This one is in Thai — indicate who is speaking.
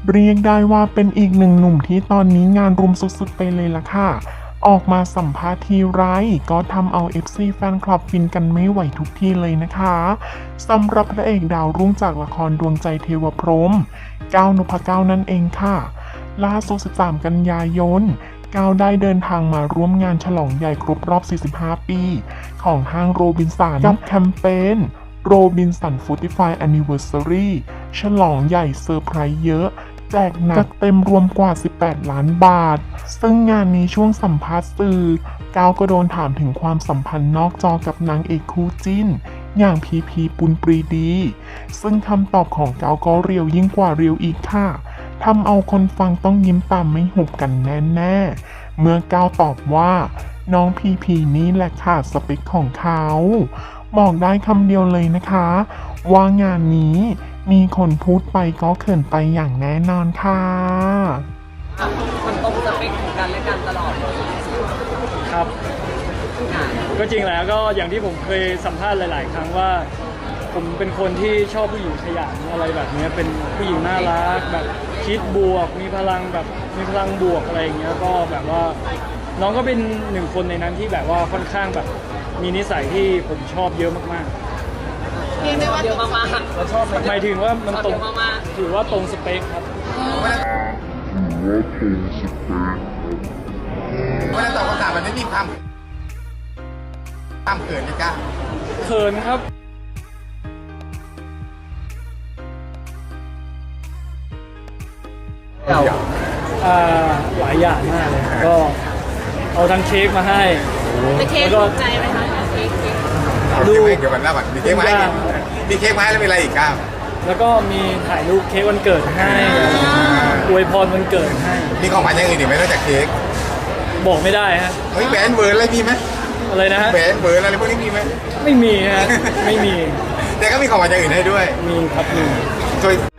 Speaker 1: เรียกได้ว่าเป็นอีกหนึ่งหนุ่มที่ตอนนี้งานรุมสุดๆไปเลยล่ะค่ะออกมาสัมภาษณ์ทีไรก็ทำเอา FC แฟนคลับฟินกันไม่ไหวทุกทีเลยนะคะสำหรับพระเอกดาวรุ่งจากละครดวงใจเทวพรหมก้าวนพเก้านั่นเองค่ะล่าสุด13 กันยายนก้าวได้เดินทางมาร่วมงานฉลองใหญ่ครบรอบ 45 ปี ของห้างโรบินสันกับแคมเปญโรบินสัน45 Anniversary ฉลองใหญ่เซอร์ไพรส์เยอะแจกหนักเต็มรวมกว่า 18 ล้านบาท ซึ่งงานนี้ช่วงสัมภาษณ์สื่อก้าวก็โดนถามถึงความสัมพันธ์นอกจอกับนางเอกคู่จิ้น อย่างพีปุณปรีดี ซึ่งคำตอบของก้าวก็เรียวยิ่งกว่าเรียวอีกค่ะทำเอาคนฟังต้องยิ้มตามไม่หุบกันแน่ๆ เมื่อก้าวตอบว่า น้องพีนี่แหละค่ะสเปคของเขาบอกได้คำเดียวเลยนะคะ ว่างานนี้มีคนพูดไปก็เขินไปอย่างแน่นอนค่ะ
Speaker 2: มันตรงสเปคของกันและกันตลอดเลย
Speaker 3: ครับ ก็จริงแล้วก็อย่างที่ผมเคยสัมภาษณ์หลาย ๆ ครั้งว่า ผมเป็นคนที่ชอบผู้หญิงขยันอะไรแบบนี้เป็นผู้หญิงน่ารักแบบคิดบวกมีพลังแบบมีพลังบวกอะไรอย่างเงี้ยก็แบบว่าน้องก็เป็นหนึ่งคนในนั้นที่แบบว่าค่อนข้างแบบมีนิสัยที่ผมชอบเยอะมากๆ
Speaker 2: เรียกได้ว่าเยอะมากๆเราชอบ
Speaker 3: หมายถึงว่ามันตรง
Speaker 2: เยอะมาก
Speaker 3: ถือว่าตรงสเปคครับ
Speaker 4: เวลาตอบคำถามมันไม่มีความเขินเลยก้า
Speaker 3: เขินครับ
Speaker 2: เรา
Speaker 3: หลายอย่างมากเลยก็เอาทั้งเค้กมาให้
Speaker 2: ไปเค้ก
Speaker 3: แล้วก็
Speaker 2: ถูกใจไหมคะเค้ก
Speaker 3: ดู
Speaker 4: ดูเดี๋ยวมันเล่าก่อนมีเค้กมาให้มีเค้กมาให้แล้วมีอะไรอีกก้า
Speaker 3: แล้วก็มีถ่ายรูปเค้กวันเกิดให้อวยพรวันเกิดให้
Speaker 4: มีของขวัญอย่างอื่นอีกไหมนอกจากเค้ก
Speaker 3: บอกไม่ได้ฮะ
Speaker 4: เฮ้ยแหวนเวิร์นอะไรมีไหม
Speaker 3: อะไรนะฮะ
Speaker 4: แหวนเวิร์นอะไรพวกนี้มีไหม
Speaker 3: ไม่มีฮะไม่มี
Speaker 4: แต่ก็มีของขวัญอย่างอื่นให้ด้วย
Speaker 3: มีครับมี
Speaker 4: โดย